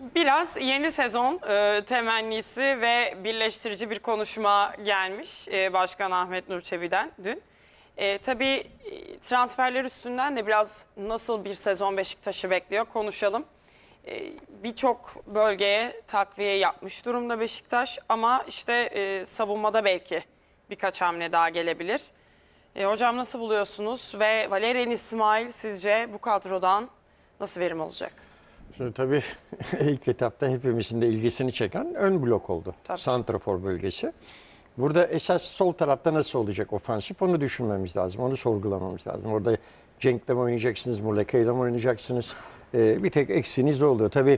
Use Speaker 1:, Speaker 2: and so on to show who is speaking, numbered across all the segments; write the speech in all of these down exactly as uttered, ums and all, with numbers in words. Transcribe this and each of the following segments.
Speaker 1: Biraz yeni sezon e, temennisi ve birleştirici bir konuşma gelmiş e, Başkan Ahmet Nur Çebi'den dün. E, tabii e, transferler üstünden de biraz nasıl bir sezon Beşiktaş'ı bekliyor konuşalım. E, Birçok bölgeye takviye yapmış durumda Beşiktaş ama işte e, savunmada belki birkaç hamle daha gelebilir. E, hocam nasıl buluyorsunuz ve Valerian İsmail sizce bu kadrodan nasıl verim olacak?
Speaker 2: Şimdi tabii ilk etapta hepimizin de ilgisini çeken ön blok oldu.
Speaker 1: Tabii.
Speaker 2: Santrafor bölgesi. Burada esas sol tarafta nasıl olacak ofansif onu düşünmemiz lazım. Onu sorgulamamız lazım. Orada Cenk'le mi oynayacaksınız, Muleka'yla mı oynayacaksınız? Ee, bir tek eksiğiniz oluyor. Tabii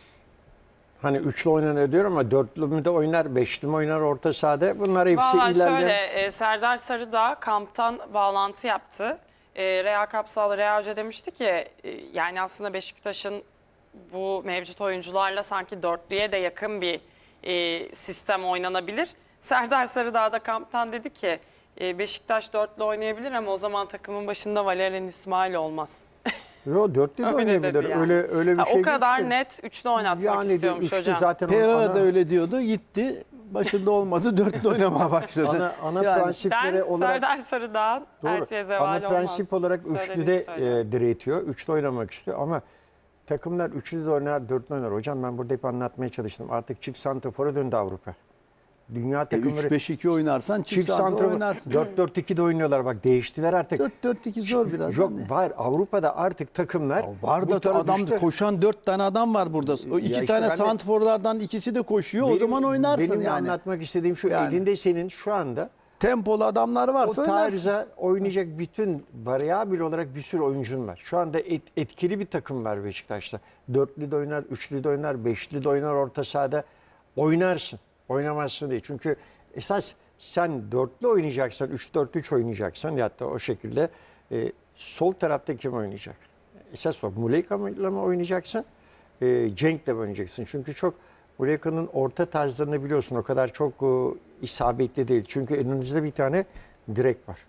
Speaker 2: hani üçlü oynanıyor diyor ama dörtlü mü de oynar, beşli mi oynar orta sahada? Bunlar hepsi
Speaker 1: Vallahi
Speaker 2: ilerleyen...
Speaker 1: şöyle e, Serdar Sarıdağ kamptan bağlantı yaptı. E, Rea Kapsal, Rea Hoca demişti ki e, yani aslında Beşiktaş'ın bu mevcut oyuncularla sanki dörtlüye de yakın bir e, sistem oynanabilir. Serdar Sarıdağ da kamptan dedi ki e, Beşiktaş dörtlü oynayabilir ama o zaman takımın başında Valerian İsmail olmaz.
Speaker 2: Yo dörtlü de
Speaker 1: Öyle
Speaker 2: oynayabilir.
Speaker 1: dedi yani.
Speaker 2: Öyle, öyle bir
Speaker 1: Ha,
Speaker 2: şey
Speaker 1: o kadar
Speaker 2: değil ki.
Speaker 1: net üçlü oynatmak
Speaker 2: Yani
Speaker 1: istiyormuş
Speaker 2: üçlü
Speaker 1: hocam.
Speaker 2: zaten
Speaker 3: Pereira
Speaker 2: ana-
Speaker 3: da öyle diyordu. Gitti. Başında olmadı. Dörtlü oynamaya başladı.
Speaker 2: Ana, ana
Speaker 3: Yani
Speaker 2: prensipleri
Speaker 1: Ben
Speaker 2: olarak...
Speaker 1: Serdar Sarıdağ'ın elçiye zeval
Speaker 2: Ana
Speaker 1: olmaz.
Speaker 2: prensip olarak üçlüde
Speaker 1: Söylediğini söylüyorum.
Speaker 2: e, diretiyor. Üçlü oynamak istiyor ama takımlar üçlü de oynar, dörtlü oynar. Hocam ben burada hep anlatmaya çalıştım. Artık çift santrafora döndü Avrupa. Dünya
Speaker 3: E,
Speaker 2: takımları
Speaker 3: üç beş iki oynarsan çift,
Speaker 2: çift
Speaker 3: santrafor
Speaker 2: santrafor
Speaker 3: oynarsın.
Speaker 2: dört dört iki de oynuyorlar. Bak değiştiler artık.
Speaker 3: dört dört iki zor biraz.
Speaker 2: Yok
Speaker 3: hani.
Speaker 2: var Avrupa'da artık takımlar
Speaker 3: Var
Speaker 2: bu
Speaker 3: da
Speaker 2: tarafa
Speaker 3: adam
Speaker 2: düştü.
Speaker 3: koşan dört tane adam var burada. O iki
Speaker 2: Ya işte
Speaker 3: tane
Speaker 2: ben de-
Speaker 3: santrforlardan ikisi de koşuyor. o
Speaker 2: Benim-
Speaker 3: zaman oynarsın
Speaker 2: Benim de
Speaker 3: yani.
Speaker 2: anlatmak istediğim şu
Speaker 3: Yani.
Speaker 2: elinde senin şu anda
Speaker 3: Tempolu adamlar
Speaker 2: o
Speaker 3: varsa oynarsın.
Speaker 2: tarza oynayacak bütün varyabil olarak bir sürü oyuncun var. Şu anda et- etkili bir takım var Beşiktaş'ta. Dörtlü de oynar, üçlü de oynar, beşli de oynar orta sahada. Oynarsın. Oynamazsın değil. Çünkü esas sen dörtlü oynayacaksan, üç dört üç oynayacaksan ya da o şekilde e, sol tarafta kim oynayacak? Esas o. Muleka'yla mı oynayacaksın? E, Cenk'le mi oynayacaksın? Çünkü çok Muleka'nın orta tarzlarını biliyorsun. O kadar çok e, isabetli değil. Çünkü önünüzde bir tane direk var.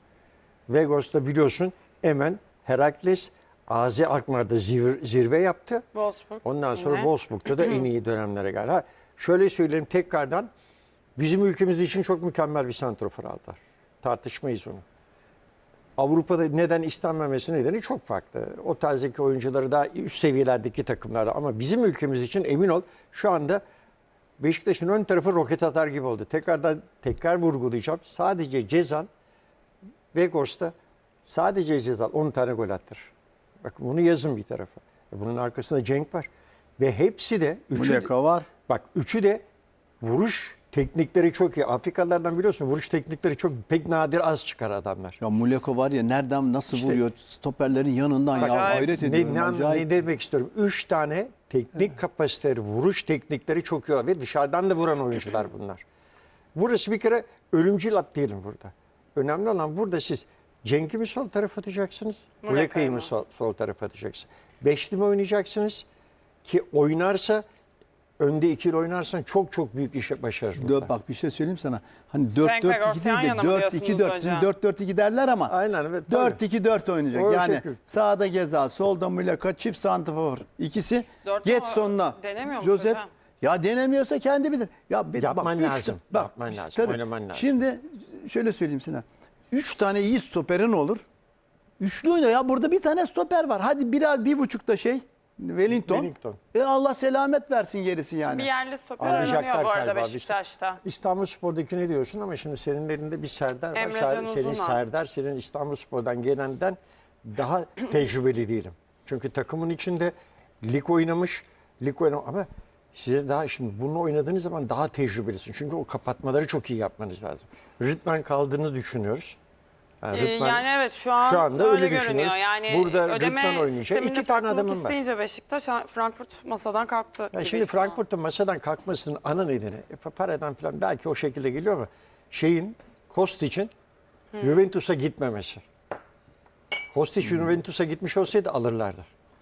Speaker 2: Vegos'ta biliyorsun hemen Herakles Azi Akmar'da zir- zirve yaptı.
Speaker 1: Wolfsburg.
Speaker 2: Ondan sonra
Speaker 1: Yine.
Speaker 2: Wolfsburg'da da en iyi dönemlere geldi. Ha, şöyle söyleyeyim tekrardan bizim ülkemiz için çok mükemmel bir santrafor aldılar. Tartışmayız onu. Avrupa'da neden istenmemesi nedeni çok farklı. O tarzdaki oyuncuları daha üst seviyelerdeki takımlarda ama bizim ülkemiz için emin ol şu anda Beşiktaş'ın ön tarafı roket atar gibi oldu. Tekrardan tekrar vurgulayacağım. Sadece Cezal Vegors'ta sadece Cezal on tane gol attır. Bak bunu yazın bir tarafa. Bunun arkasında Cenk var. Ve hepsi de üçü,
Speaker 3: Muleka var.
Speaker 2: bak üçü de vuruş teknikleri çok iyi. Afrikalılardan biliyorsun vuruş teknikleri çok pek nadir az çıkar adamlar.
Speaker 3: Ya Muleka var ya nereden nasıl
Speaker 2: İşte-
Speaker 3: vuruyor stoperlerin yanından ya
Speaker 1: Acayip.
Speaker 3: hayret
Speaker 2: Ne,
Speaker 3: ediyorum.
Speaker 2: ne,
Speaker 3: acayip.
Speaker 2: ne demek istiyorum? Üç tane teknik kapasiteleri, vuruş teknikleri çok iyi var. Ve dışarıdan da vuran oyuncular bunlar. Burası bir kere ölümcül at diyelim burada. Önemli olan burada siz Cenk'i mi sol tarafa atacaksınız?
Speaker 1: Muleka'yı
Speaker 2: Muleka'yı
Speaker 1: mı?
Speaker 2: mı sol, sol tarafa atacaksınız? Beşli mi oynayacaksınız? Ki oynarsa önde ikili oynarsan çok çok büyük işe başarır.
Speaker 3: Dört, bak bir şey söyleyeyim sana. Hani dört
Speaker 1: Cenk
Speaker 3: dört
Speaker 1: Vegors
Speaker 3: iki değil
Speaker 1: yan yana
Speaker 3: de
Speaker 1: mı
Speaker 3: dört iki
Speaker 1: diyorsunuz
Speaker 3: dört.
Speaker 1: hocam?
Speaker 3: Şimdi dört dört iki derler ama
Speaker 2: Aynen evet.
Speaker 3: dört iki dört oynayacak.
Speaker 2: O
Speaker 3: Yani
Speaker 2: şekil.
Speaker 3: sağda Gezal, solda Muleka, çift santrafor. İkisi
Speaker 1: Dört
Speaker 3: geç
Speaker 1: ama
Speaker 3: sonuna.
Speaker 1: denemiyor mu
Speaker 3: Joseph.
Speaker 1: hocam?
Speaker 3: Ya denemiyorsa kendi bilir. Ya bir,
Speaker 2: Yapman
Speaker 3: bak, üç
Speaker 2: lazım.
Speaker 3: ta- Bak,
Speaker 2: Yapman lazım,
Speaker 3: tabii.
Speaker 2: oynaman lazım.
Speaker 3: Şimdi şöyle söyleyeyim sana. Üç tane iyi stoperin olur. Üçlü oyna ya burada bir tane stoper var. Hadi biraz bir buçuk da şey Wellington.
Speaker 2: Wellington.
Speaker 3: E Allah selamet versin gerisi yani.
Speaker 1: Bir yerli stoper
Speaker 2: Arayacaklar
Speaker 1: oynanıyor bu arada
Speaker 2: galiba.
Speaker 1: Beşiktaş'ta.
Speaker 2: İstanbulspor'daki ne diyorsun ama şimdi senin elinde bir Serdar var.
Speaker 1: Emre
Speaker 2: Ser-
Speaker 1: Can
Speaker 2: senin
Speaker 1: Uzun'a.
Speaker 2: Serdar, senin İstanbulspor'dan gelenden daha tecrübeli değilim. Çünkü takımın içinde lig oynamış, lig oynamış ama size daha şimdi bunu oynadığınız zaman daha tecrübelisin. Çünkü o kapatmaları çok iyi yapmanız lazım. Rıdvan kaldığını düşünüyoruz. Yani,
Speaker 1: Ee,
Speaker 2: Rıdvan-
Speaker 1: yani evet şu an
Speaker 2: şu anda
Speaker 1: öyle,
Speaker 2: öyle
Speaker 1: görünüyor.
Speaker 2: düşünüyoruz.
Speaker 1: Yani
Speaker 2: Burada
Speaker 1: ödeme
Speaker 2: Rıdvan oynayacak.
Speaker 1: sisteminde
Speaker 2: İki tane
Speaker 1: farklılık
Speaker 2: adamım var.
Speaker 1: isteyince Beşiktaş Frankfurt masadan kalktı.
Speaker 2: Ya
Speaker 1: gibi
Speaker 2: şimdi
Speaker 1: şu an.
Speaker 2: Frankfurt'un masadan kalkmasının ana nedeni e, paradan falan belki o şekilde geliyor ama şeyin Kostic'in Juventus'a gitmemesi. Kostic Juventus'a gitmiş olsaydı alırlardı.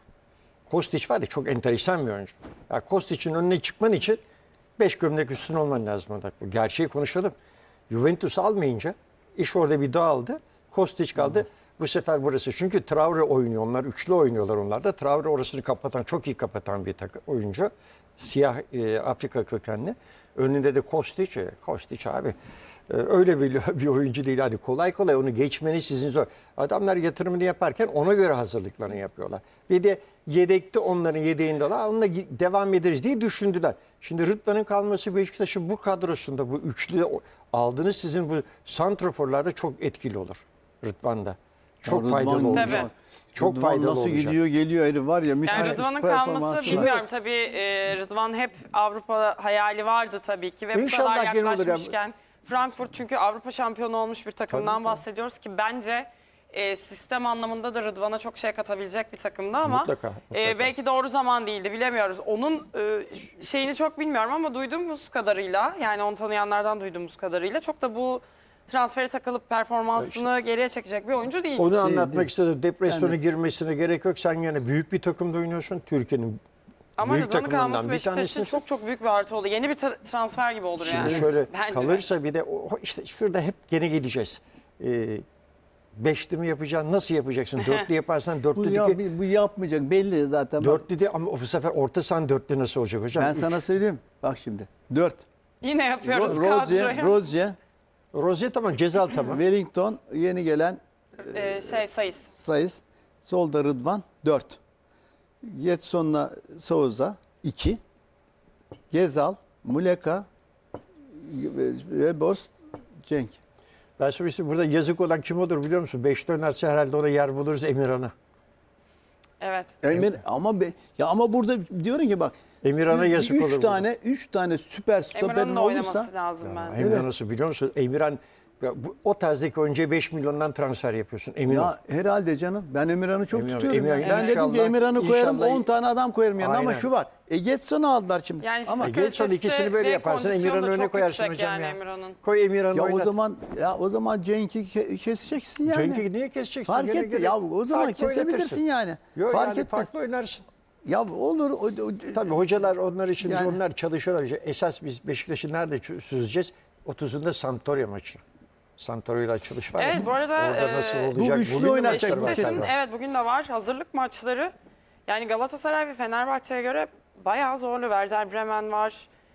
Speaker 2: Kostic var ya çok enteresan bir oyuncu. Ya Kostic'in önüne çıkman için beş gömlek üstün olman lazım. orada. Bu gerçeği konuşalım. Juventus almayınca iş orada bir dağıldı. Kostic kaldı. Bu sefer burası. Çünkü Traore oynuyor. Onlar üçlü oynuyorlar onlar da. Traore orasını kapatan, çok iyi kapatan bir takım oyuncu. Siyah e, Afrika kökenli. Önünde de Kostic. e, Kostic abi. e, öyle bir, bir oyuncu değil. Hani kolay kolay onu geçmeni sizin zor. Adamlar yatırımını yaparken ona göre hazırlıklarını yapıyorlar. Bir de yedekte onların yedeğinde var. Onunla devam ederiz diye düşündüler. Şimdi Rıdvan'ın kalması Beşiktaş'ın bu kadrosunda, bu üçlü aldığınız sizin bu santraforlarda çok etkili olur. Rıdvan'da. Çok
Speaker 3: Rıdvan-
Speaker 2: faydalı olacak.
Speaker 1: Tabii.
Speaker 2: Çok
Speaker 3: Rıdvan
Speaker 2: faydalı
Speaker 3: nasıl
Speaker 2: olacak.
Speaker 3: gidiyor geliyor herif var ya müthiş
Speaker 1: Yani Rıdvan'ın
Speaker 3: performansı
Speaker 1: kalması
Speaker 3: var.
Speaker 1: bilmiyorum tabii e, Rıdvan hep Avrupa hayali vardı tabii ki ve bu
Speaker 2: İnşallah
Speaker 1: kadar
Speaker 2: gene olur ya.
Speaker 1: yaklaşmışken Frankfurt çünkü Avrupa şampiyonu olmuş bir takımdan
Speaker 2: Tabii, tabii.
Speaker 1: bahsediyoruz ki bence e, sistem anlamında da Rıdvan'a çok şey katabilecek bir takımdı ama
Speaker 2: Mutlaka, mutlaka.
Speaker 1: e, belki doğru zaman değildi bilemiyoruz. Onun e, şeyini çok bilmiyorum ama duyduğumuz kadarıyla yani onu tanıyanlardan duyduğumuz kadarıyla çok da bu transferi takılıp performansını geriye çekecek bir oyuncu değil.
Speaker 2: Onu
Speaker 3: Şey
Speaker 2: anlatmak
Speaker 3: değil.
Speaker 2: istedim. Depresyona
Speaker 3: Yani-
Speaker 2: girmesine gerek yok. Sen yine büyük bir takımda oynuyorsun. Türkiye'nin
Speaker 1: Ama
Speaker 2: büyük
Speaker 1: Rıdvan'ın
Speaker 2: takımlarından
Speaker 1: kalması
Speaker 2: bir
Speaker 1: Beşiktaş için
Speaker 2: tanesisin.
Speaker 1: çok çok büyük bir artı oldu. Yeni bir tra- transfer gibi olur yani.
Speaker 2: Şimdi şöyle
Speaker 1: Bence de.
Speaker 2: kalırsa bir de o, işte şurada hep gene geleceğiz. Ee, beşli mi yapacaksın? Nasıl yapacaksın? Dörtlü yaparsan
Speaker 3: Bu,
Speaker 2: dörtlü
Speaker 3: ya,
Speaker 2: diki,
Speaker 3: bu yapmayacak belli zaten. Bak,
Speaker 2: dörtlü de ama bu sefer orta sahan dörtlü nasıl olacak hocam?
Speaker 3: ben
Speaker 2: Üç.
Speaker 3: sana söyleyeyim. Bak şimdi. dört.
Speaker 1: Yine yapıyoruz
Speaker 3: Ro- Rozier,
Speaker 1: kadroyu.
Speaker 3: Rozier,
Speaker 2: Rozier tamam, Cezal tamam.
Speaker 3: Wellington, yeni gelen
Speaker 1: Ee, şey sayıs.
Speaker 3: Sayıs. Solda Rıdvan dört. Getson'la Souza iki. Gezal, Muleka, Weborst, Cenk.
Speaker 2: Ben söyleyeyim, burada yazık olan kim olur biliyor musun? Beşte oynarsa herhalde ona yer buluruz, Emirhan'a.
Speaker 1: Evet.
Speaker 3: Emir ama be, ya ama burada diyorum ki bak
Speaker 2: Emirhan'a
Speaker 3: üç-
Speaker 2: yazık
Speaker 3: üç
Speaker 2: olur burada.
Speaker 3: tane üç tane süper stoperin
Speaker 1: Emirhan'ın da oynaması
Speaker 3: olursa
Speaker 1: lazım bence.
Speaker 2: Emirhan
Speaker 3: Evet.
Speaker 2: nasıl biliyor musun? Emirhan ya bu, o tarzdaki oyuncuya beş milyondan transfer yapıyorsun. Emirhan.
Speaker 3: ya herhalde canım ben Emirhan'ı çok
Speaker 2: Emirhan-
Speaker 3: tutuyorum.
Speaker 2: Emirhan-
Speaker 3: ya. ben dedim ki
Speaker 2: İnşallah-
Speaker 3: Emirhan'ı koyarım
Speaker 2: inşallah-
Speaker 3: on tane adam koyarım yanına ama
Speaker 2: Aynen.
Speaker 3: şu var. E Getson'u aldılar şimdi.
Speaker 1: Yani
Speaker 3: ama
Speaker 1: fizik
Speaker 2: Gelson
Speaker 1: kalitesi
Speaker 2: ikisini böyle
Speaker 1: ve
Speaker 2: yaparsın,
Speaker 1: kondisyonu
Speaker 2: Emirhan'ı
Speaker 1: da
Speaker 2: öne
Speaker 1: çok
Speaker 2: koyarsın
Speaker 1: yüksek
Speaker 2: hocam
Speaker 1: yani
Speaker 2: ya.
Speaker 1: Emirhan'ın.
Speaker 2: Koy Emirhan'ı
Speaker 3: ya
Speaker 2: oynat.
Speaker 3: o zaman ya o zaman Cenk'i ke- keseceksin yani.
Speaker 2: Cenk'i niye keseceksin?
Speaker 3: Fark
Speaker 2: Gene
Speaker 3: etti.
Speaker 2: gene
Speaker 3: Ya o zaman
Speaker 2: farklı
Speaker 3: kesebilirsin
Speaker 2: oynatırsın.
Speaker 3: yani.
Speaker 2: Yok
Speaker 3: Fark
Speaker 2: yani
Speaker 3: etmez.
Speaker 2: farklı oynarsın.
Speaker 3: Ya olur. O, o,
Speaker 2: Tabii hocalar onlar için
Speaker 3: Yani-
Speaker 2: onlar çalışıyorlar. Esas biz Beşiktaş'ı nerede çö- süzeceğiz? otuzunda Sampdoria maçı. Sampdoria ile açılış var ya.
Speaker 1: Evet, bu arada,
Speaker 2: Orada
Speaker 1: e,
Speaker 2: nasıl
Speaker 1: bu
Speaker 2: olacak?
Speaker 3: üçlü
Speaker 2: Bugün de
Speaker 3: oynatacak
Speaker 2: maçlar var
Speaker 1: Beşiktaş'ın
Speaker 2: galiba.
Speaker 1: evet bugün de var. Hazırlık maçları yani Galatasaray ve Fenerbahçe'ye göre bayağı zorlu. Werder Bremen var.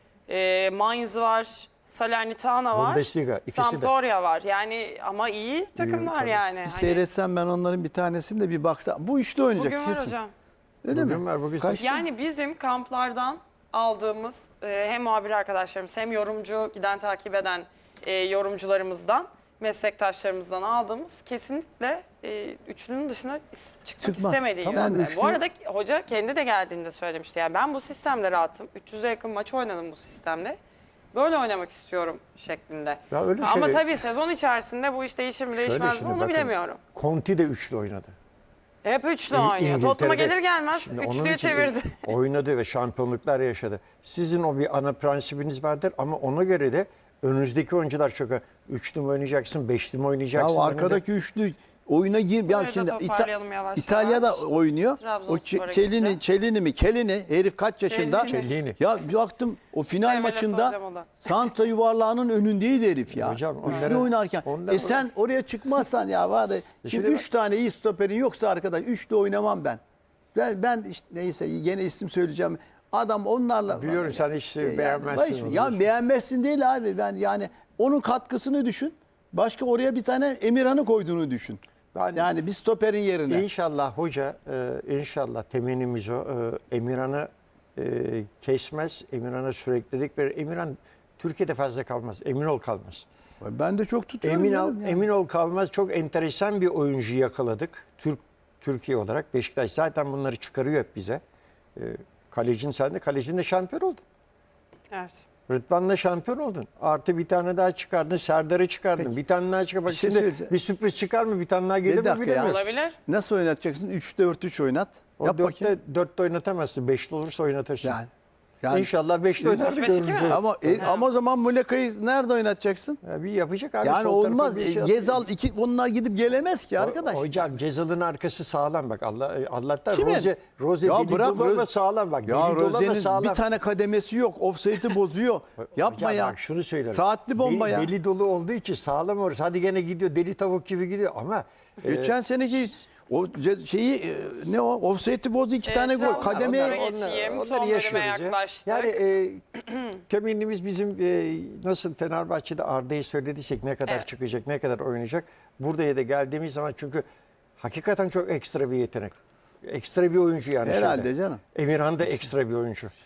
Speaker 1: E, Mainz var. Salernitana var.
Speaker 2: Bundesliga, ikisi de.
Speaker 1: Sampdoria var. Yani ama iyi takımlar
Speaker 2: tabii.
Speaker 1: yani.
Speaker 3: bir
Speaker 1: Hani
Speaker 3: seyretsem ben onların bir tanesini de bir baksa. Bu üçlü oynayacak
Speaker 1: bugün var
Speaker 3: kesin.
Speaker 1: hocam.
Speaker 3: Öyle
Speaker 2: Bugün
Speaker 3: mi?
Speaker 2: var, bugün
Speaker 3: Kaç-
Speaker 1: Yani bizim kamplardan aldığımız e, hem muhabir arkadaşlarımız hem yorumcu giden takip eden e, yorumcularımızdan, meslektaşlarımızdan aldığımız kesinlikle e, üçlünün dışına is- çıkmak
Speaker 3: Çıkmaz.
Speaker 1: istemediği
Speaker 3: Tamam.
Speaker 1: yönde.
Speaker 3: Ben üçlü-
Speaker 1: Bu arada hoca kendi de geldiğinde söylemişti. Yani ben bu sistemle rahatım. üç yüze yakın maç oynadım bu sistemle. Böyle oynamak istiyorum şeklinde.
Speaker 2: Ya öyle
Speaker 1: Ama
Speaker 2: şey-
Speaker 1: tabii sezon içerisinde bu iş değişir mi
Speaker 2: Şöyle
Speaker 1: değişmez mi
Speaker 2: şimdi
Speaker 1: onu
Speaker 2: bakın,
Speaker 1: bilemiyorum.
Speaker 2: Conti de üçlü oynadı.
Speaker 1: Hep üçlü
Speaker 2: İ-
Speaker 1: oynuyor. Tottenham'a
Speaker 2: İngiltere'de-
Speaker 1: gelir gelmez
Speaker 2: Şimdi onun
Speaker 1: üçlüye
Speaker 2: için
Speaker 1: çevirdi.
Speaker 2: oynadı ve şampiyonluklar yaşadı. Sizin o bir ana prensibiniz vardır ama ona göre de önünüzdeki oyuncular çok üçlü mü oynayacaksın, beşli mi
Speaker 3: Ya
Speaker 2: oynayacaksın?
Speaker 3: arkadaki üçlü oyuna gir. Ya
Speaker 1: Burayı da
Speaker 3: şimdi İta-
Speaker 1: toparlayalım yavaş
Speaker 3: İtalya'da
Speaker 1: yavaş.
Speaker 3: oynuyor. O
Speaker 1: Trabzonspor'a
Speaker 3: Ç- Çelini,
Speaker 1: gitti.
Speaker 3: Çelini mi? Kelini. Herif kaç yaşında?
Speaker 1: Kellini.
Speaker 2: Kellini.
Speaker 3: Ya baktım o final
Speaker 1: Hemen
Speaker 3: maçında
Speaker 1: soracağım o da.
Speaker 3: Santra yuvarlağının önündeydi herif ya.
Speaker 2: Hocam,
Speaker 3: Üçlü
Speaker 2: onlara-
Speaker 3: oynarken.
Speaker 2: onlara-
Speaker 3: E sen oraya çıkmazsan ya var ya. Şimdi
Speaker 2: Şimdi
Speaker 3: üç tane iyi stoperin yoksa arkadaş üçlü oynamam ben. Ben, ben işte neyse gene isim söyleyeceğim. Adam onlarla...
Speaker 2: Biliyorum sen hiç
Speaker 3: E, yani
Speaker 2: beğenmezsin
Speaker 3: baş-
Speaker 2: onu.
Speaker 3: Ya beğenmezsin değil abi. Ben yani onun katkısını düşün. Başka oraya bir tane Emirhan'ı koyduğunu düşün.
Speaker 2: Ben-
Speaker 3: yani bir stoperin yerine.
Speaker 2: İnşallah hoca, e, inşallah temennimiz o. E, Emirhan'ı e, kesmez, Emirhan'a süreklilik verir. Emirhan Türkiye'de fazla kalmaz, emin ol kalmaz.
Speaker 3: Ben de çok tutuyorum.
Speaker 2: Emin ol,
Speaker 3: canım yani.
Speaker 2: emin ol kalmaz. Çok enteresan bir oyuncu yakaladık. Türk Türkiye olarak Beşiktaş zaten bunları çıkarıyor hep bize. E, kalecin sen de kalecin de şampiyon oldun.
Speaker 1: Evet.
Speaker 2: Rıdvan'la şampiyon oldun. Artı bir tane daha çıkardın. Serdar'ı çıkardın.
Speaker 3: Peki.
Speaker 2: Bir tane daha çıkar. Bak
Speaker 3: Bir şey
Speaker 2: şimdi
Speaker 3: söyleyeceğim.
Speaker 2: bir sürpriz çıkar mı? Bir tane daha gelir mi
Speaker 3: dakika ya.
Speaker 2: bilemiyoruz.
Speaker 1: Olabilir.
Speaker 3: Nasıl oynatacaksın? üç dört üç oynat.
Speaker 2: O
Speaker 3: Yap bakayım.
Speaker 2: dörtte, dörtte oynatamazsın. Beşli olursa oynatırsın.
Speaker 3: Yani Yani-
Speaker 2: İnşallah beşli oynar da
Speaker 1: Beş iki
Speaker 2: görürüz.
Speaker 1: mi?
Speaker 3: Ama e, ama o zaman Muleka'yı nerede oynatacaksın?
Speaker 2: Ya bir yapacak abi.
Speaker 3: Yani
Speaker 2: sol tarafa
Speaker 3: olmaz.
Speaker 2: bir
Speaker 3: E,
Speaker 2: şey
Speaker 3: Gezal iki onlar gidip gelemez ki arkadaş.
Speaker 2: Hocam Cezal'ın arkası sağlam bak. Allah Allah'tan
Speaker 3: Kimin?
Speaker 2: Roze Roze
Speaker 3: Ya
Speaker 2: deli
Speaker 3: bırak
Speaker 2: dolu ama
Speaker 3: Roze-
Speaker 2: sağlam bak.
Speaker 3: Ya
Speaker 2: Deli dolu ama
Speaker 3: Roze'nin
Speaker 2: sağlam.
Speaker 3: bir tane kademesi yok. Offside'i bozuyor. Yapma
Speaker 2: Hocam
Speaker 3: ya.
Speaker 2: Bak şunu söylüyorum.
Speaker 3: Saatli bomba
Speaker 2: deli,
Speaker 3: ya.
Speaker 2: Deli dolu olduğu için sağlam orası. Hadi gene gidiyor. Deli tavuk gibi gidiyor ama e,
Speaker 3: Geçen seneki o ce- şeyi e, ne o? Offside'i bozdu iki
Speaker 1: E,
Speaker 3: tane gol.
Speaker 1: Trabzonspor'a
Speaker 3: Kademeye
Speaker 1: geçeyim. Son bölüme
Speaker 2: ya.
Speaker 1: yaklaştık.
Speaker 2: Yani e, temennimiz bizim e, nasıl Fenerbahçe'de Arda'yı söylediysek ne kadar
Speaker 1: Evet.
Speaker 2: çıkacak, ne kadar oynayacak. Buraya da geldiğimiz zaman çünkü hakikaten çok ekstra bir yetenek. Ekstra bir oyuncu yani.
Speaker 3: Herhalde
Speaker 2: şeyde.
Speaker 3: canım.
Speaker 2: Emirhan da ekstra bir oyuncu.